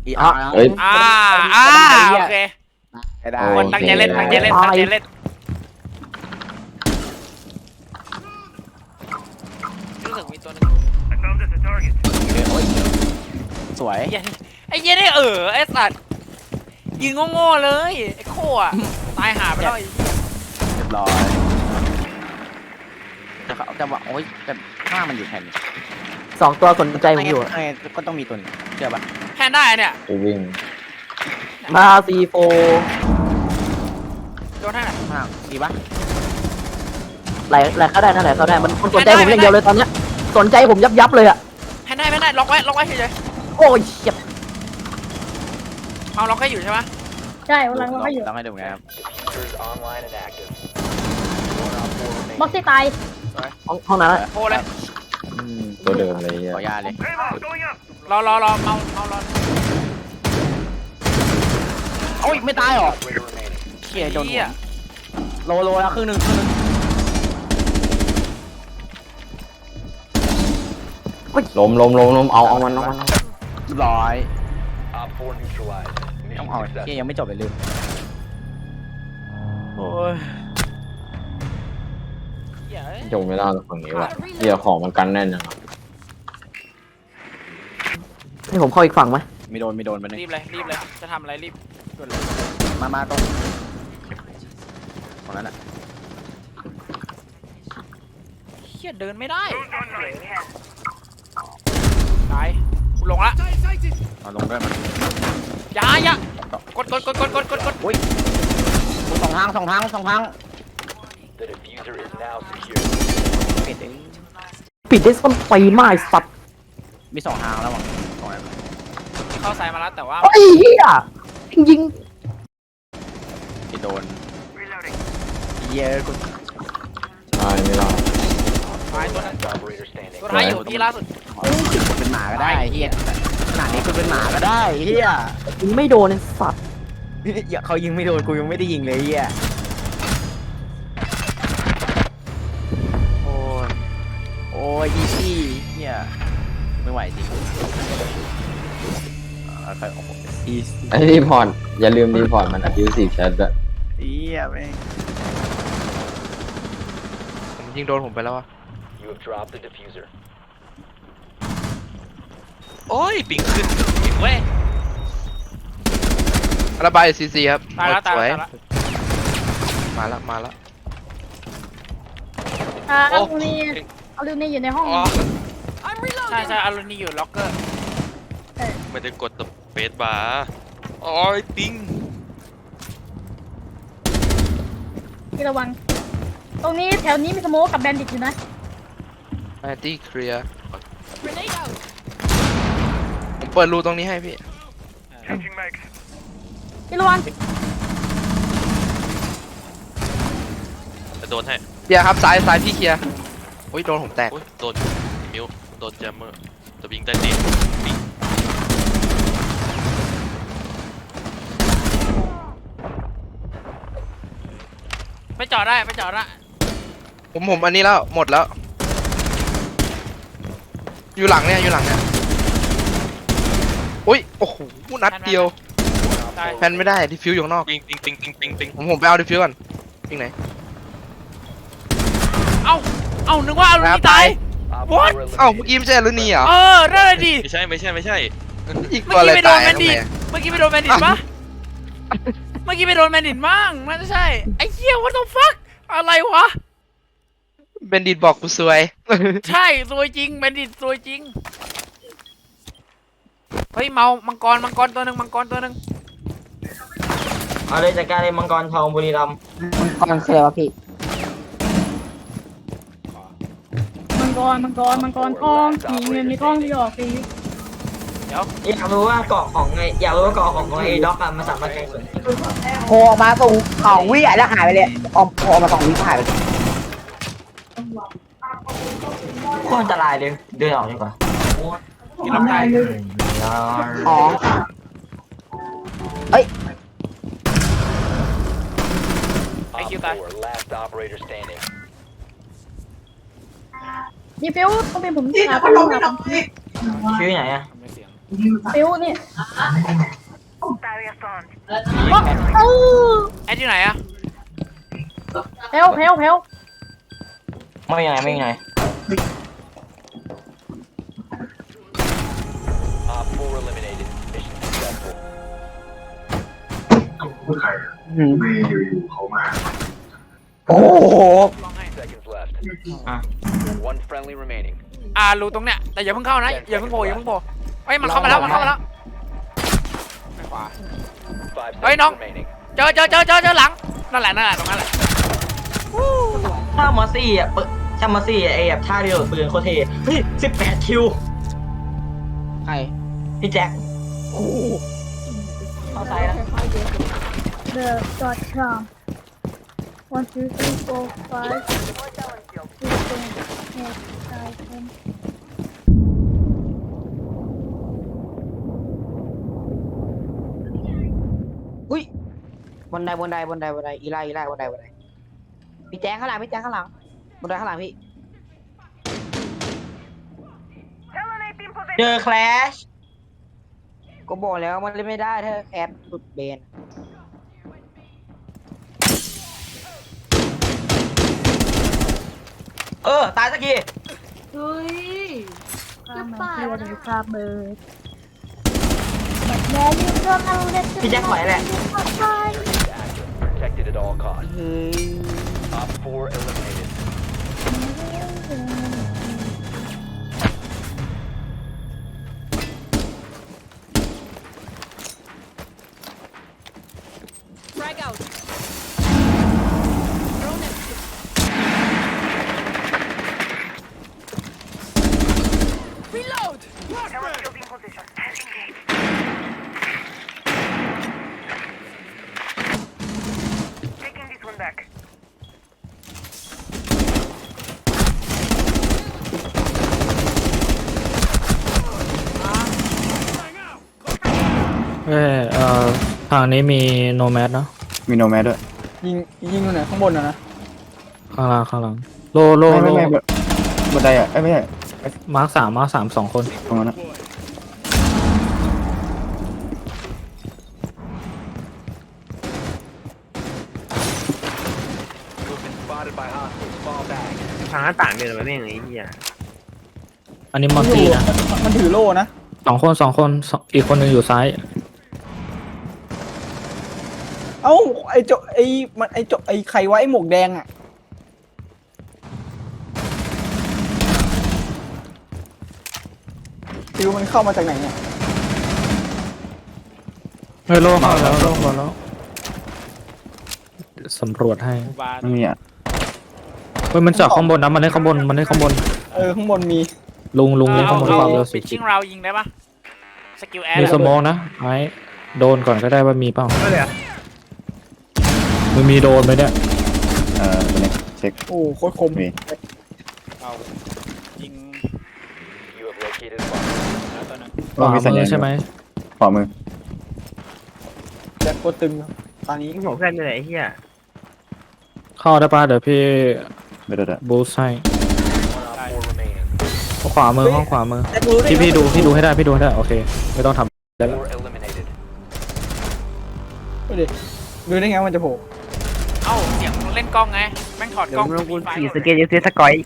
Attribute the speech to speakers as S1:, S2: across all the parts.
S1: เฮ้ย
S2: โอเคคนตั้งใจเล่นตั้งใจเล่นตั้งใจเล่นรู้สึกมีตัวนึง
S3: สวย
S2: ไอ้เหี้ยนี่ไอ้สัตว์ยิงโง่ๆเลยไอ้โค่อะตายหาไปแล้ว
S3: เรียบร้อยจะบอกโอ๊ยแต่ข้ามันอยู่แผ่น
S4: 2 ตัวสนใจผมอยู่
S3: ก็ต้องมีตัวนี้เชื่อปะ
S2: แพนได้เนี่ย
S1: ไปวิ่ง
S4: มาC4
S2: โดนท่าไหน
S3: ข้างดีปะ
S4: ไหลเข้าได้นะไหลเข้าได้มันสนใจผมอย่างเดียวเลยตอนเนี้ยสนใจผมยับเลยอะ
S2: แพนได้ล็อกไว้เฉย
S4: โอ้ยเฉียบ
S2: ๆเอาล็อกให้อยู่ใช่ไหม
S5: ใช่วันหลังเราก็อยู่
S3: ต้องให้ดูไงครับ
S5: บ็อกซี่ตาย
S4: ห้องนั้นอะ
S2: โคเลย
S1: ตัวเดิมเลยเฮีย
S3: ขอยาเลย
S2: รอเมา
S3: โอ้ยไม่ตายหรอเขี่ยโดนหัวโลแล้วครึ่งหนึ่ง
S1: ล้มเอามัน
S3: ร้อยต้องเอาเขี่ยยังไม่จบเลยลืมโอ้ย
S1: จงไม่ได้ฝั่งนี้ว่ะเฮียของมันกันแน่นจัง
S4: ให้ผมเข้าอีกฝั่งไหม
S3: ไม่โดนไปนึง
S2: รีบเลยจะทำอะไรรีบด่วนเลย
S3: มาตรงนั้นอ่ะ
S2: เฮียเดินไม่ได้ตายกูลงละ
S3: เอาลงด้วยมัน
S2: อย่ากด
S3: อุ้ยสองทางปิดเอง
S4: ปิดได้ส้นไปไม้สัตว์
S3: มี2 ทางแล้วมั้งตรงนั้น
S2: เข้าสายมาแล้วแต่ว่า
S4: ไอ้เหี้ยยิง
S3: ที่โดนเยอะกู
S1: ใช่ไม่ได้
S2: ตายตัวนั้นตัวท้ายอยู่ที่ล่าสุด
S3: เป็นหมาก็ได้เฮียขนาดนี้กูเป็นหมาก็ได้เฮีย
S4: ยิงไม่โดนไอ้สัตว์
S3: เขายิงไม่โดนกูยังไม่ได้ยิงเลยเฮียโอ้ยอีซี่เฮียไม่ไหวจริงใครออกอีซี่
S1: ไอ้รีพอร์ตอย่าลืมรีพอร์ตมันabusive chat ด้วย
S3: เฮียแม่ง
S6: ผมยิงโดนผมไปแล้วอะโอ้ยปิงขึ้นปิงเว้ยระบายซีครับ
S2: ตายแล้ว
S6: สวย
S2: มาแล้ว
S6: มาแล้ว
S5: อา
S6: โอ้
S5: ลูนี่อาลูนี่อยู่ในห้อง
S6: อ๋อ
S2: ใช่อารุณีอยู่ล็อกเกอร์
S6: ไม่ได้กดตัวเฟสบาร์โอ้ยปิง
S5: ที่ระวัง ตรงนี้แถวนี้มีสโมกกับแบนดิตอยู่นะ
S6: แอนตี้เคลียร์ผมเปิดรูตรงนี้ให้พี่
S5: ที่ระวัง
S6: จะโดนให้เคลียร์ครับซ้ายพี่เคลียร์โอ้ยโดนผมแตกโดนมิวโดนแจมเมอร์จะวิ่งได้ดีปิง
S2: ไปจอดได้
S6: ผมอันนี้แล้วหมดแล้ว อยู่หลังเนี่ยอุ้ยโอ้โหนัดเดียว
S2: ตาย
S6: แพนไม่ได้ดิฟิวอยู่ข้างนอกปิงผมไปเอาดิฟิวก่อนปิงไหน
S2: เอ้านึกว่าอารุณีตาย what
S6: เอ้าเมื่อกี้ไม่ใช่รุ่นนี้เหรอ
S2: นั่นแหละดิ
S6: ไม่ใช่อีก
S2: เมื่
S6: ตัว
S2: อ
S6: อะไร
S2: กี้ไปโด
S6: ตาน ย
S2: แมน
S6: ทำ
S2: ดิ
S6: ไม
S2: ตเมื่อกี้ไปโดนแมนดิตปะเมื่อกี้ไปโดนแมนดิตมั่งน่าจะใช่ไอ้เหี้ย what the fuck อะไรวะ
S6: เบนดิตบอกกูซวย
S2: ใช่ซวยจริงแมนดิตซวยจริงเฮ้ยเมามังกรตัวหนึ่ง
S7: เอาเลยจัดการเลยมังกรทองบุรีรัมย์
S4: ก่อนเคลียร์วะพี่
S5: มังกรทองมีเงินมีทองที่ออกฟรี
S7: อยากรู้ว่าเกาะของไงอยากรู้ว่าเกาะของไอ้ด็อกอะมันสามารถแข่งส่วน
S4: โผล่ออกมาส่ง2 วิแล้วหายไปเลยออกโผล่มา2 วิหายไปเลย
S7: โคตรอันตรายเลยเดินออกดีกว่า
S2: กินน้ำตาย
S4: อ๋อ
S2: ไอ้คิวตาย
S5: นี่ฟิวต้องเป็นผมหา
S7: ชื่อไหนอะ
S2: ไม่เสียง
S5: ฟิวนี่
S2: ไอ้ที่ไหนอะ
S5: แพ้วแพ้วแพ้ว
S3: ไม่ยังไงไม่ยังไง
S8: ไม่อยู่ๆเขามา
S3: โอ้โห
S2: ลองให้
S3: อ่ะ
S2: รูตรงเนี้ยแต่อย่าเพิ่งเข้านะอย่าเพิ่งโผล่อย่าเพิ่งโผล่เฮ้ยมันเข้ามาแล้วมันเข้ามาแล้วไปขวาเฮ้ยน้องเจอหลังนั่นแหละตรงนั้นแหละ
S7: ถ้ามอสซี่อ่ะถ้ามอสซี่ไอ้แบบท่าเดียวกับปืนโคตรเท่เฮ้ย18 คิว
S3: ใคร
S7: พี่แจ็ค
S3: เข้าซ้ายนะ
S5: The.com 1 2 3 4 5 6 7 8 9 10
S3: อุ้ยบนไดอีไล่บนไดพี่แจ๊คข้างหลังบนไดข้างหลังพี่
S7: เจอแคลช
S3: ก็บอกแล้วมันเล่นไม่ได้ถ้าแคสหลุดเบน
S7: ตายสักที
S5: เฮ้ยจะป่าหรือคาเบิร์ดแม่ยืนเรื่องอะไรเล็ก
S7: พี่แจ็คไหวแหละ
S9: ทางนี้มีโนแมสเนาะ
S8: มีโนแมสด้วย
S3: ยิงอยู่ไหนข้างบนนะ
S9: ข้างล่างโล
S8: ไม่บนไดอ่ะไม่ใช่
S9: มาร์คสาม2 คน
S8: ตรงนั้นนะ
S7: ทางหน้าต่างเดินมาไม่ยังไงเฮีย
S9: อันนี้มอนตี้นะ
S3: มันถือโล่นะ
S9: 2 คนอีกคนหนึงอยู่ซ้าย
S3: เอ้าไอ้ไข่ไว้หมวกแดงอ่ะฟิวมันเข้ามาจากไหนเนี่ย
S9: เฮ้ยโลเข้าแล้วสำรวจให้
S2: บา
S8: ไม่มีอ่ะ
S9: เฮ้ยมันจากข้างบนนะมันเล่นข้างบน
S3: ข้างบนมี
S9: ลุงเล่นข้างบนความเร็ว
S2: ปิดชิงเรายิงได้ปะสกิลแอร์
S9: มีสโมองนะไอ้โดนก่อนก็ได้ว่ามีเปล่ามึงมีโดนไหมเนี่ย
S8: ตัวนี้เช็ค
S3: โอ้โคตรคม
S8: มี
S2: เอายิง
S9: ขวามือใช่ไหม
S8: ขวามือ
S3: แจ็คโคตรตึงครับตอนนี้
S7: ผมเพื่อนอยู่ไหนเฮีย
S9: เข้าได้ป่ะเดี๋ยวพี่
S8: ไม่ได้
S9: บูสต์ให้ห้องขวามือ
S3: แจ็ครู้ได้
S9: พี่ดูให้ได้โอเคไม่ต้องทำได้แล้ว
S3: ดูได้ไงมันจะโผล่
S2: เอ้าเสียงเล่นกล้องไงแม่งถอดกล้องมีไฟ
S7: สเกตยูซีสกอย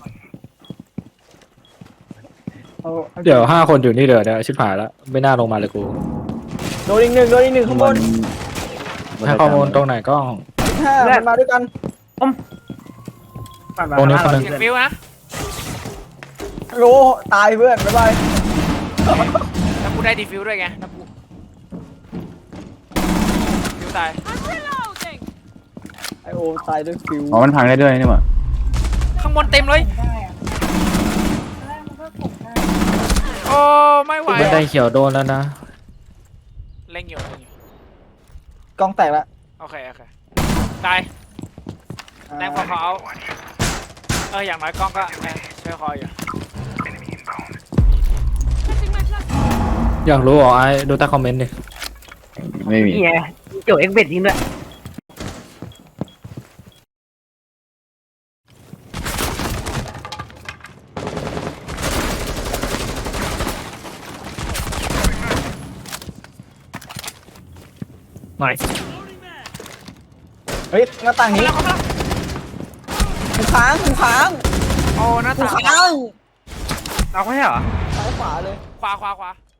S9: เดี๋ยว5 คนอยู่นี่เดี๋ยวชิบหายแล้วไม่น่าลงมาเลยกู
S3: โดนอีกหนึ่งข้างบน
S9: ให้ข้อมูลตรงไหนก็
S3: 5มันมาด้วยกัน
S9: ตรงนี้คนหนึง
S2: เสียงฟิวนะ
S3: โลตายเพื่อนบ๊ายบาย
S2: แล้วกูได้ดีฟิวด้วยไงแล้วกูฟิวตาย
S3: ไอโอตายด้วยฟิว
S8: อ๋อมันพังได้ด้วยนี่หว่า
S2: ข้างบนเต็มเลย
S5: ได้อะแรกมันก็กดได้
S2: โอ้ไม่ไหว
S9: บันไดเขียวโดนแล้วนะ
S2: เล่งอยู่
S3: กล้องแตกละ
S2: โอเคตายแรงพอเขาเอาอย่างน้อยกล้องก็ช่วยคอยอยู่
S9: อยากรู้เหรอไอ้ดูใต้คอมเมนต์ดิ
S8: ไม่มี
S7: เฮียโจเอ็กเบดยิงด้วย
S9: หน่อย
S3: เฮ้ยหน้าต่างนี้
S2: เข้ามาแล้ว
S3: กูค้างกูค้าง
S2: โอ้หน้า
S3: กู
S2: ต่าง
S3: ค้าง
S6: เอาไม่ใช่เหรอ
S3: ซ้ายขวาเลย
S2: ขวา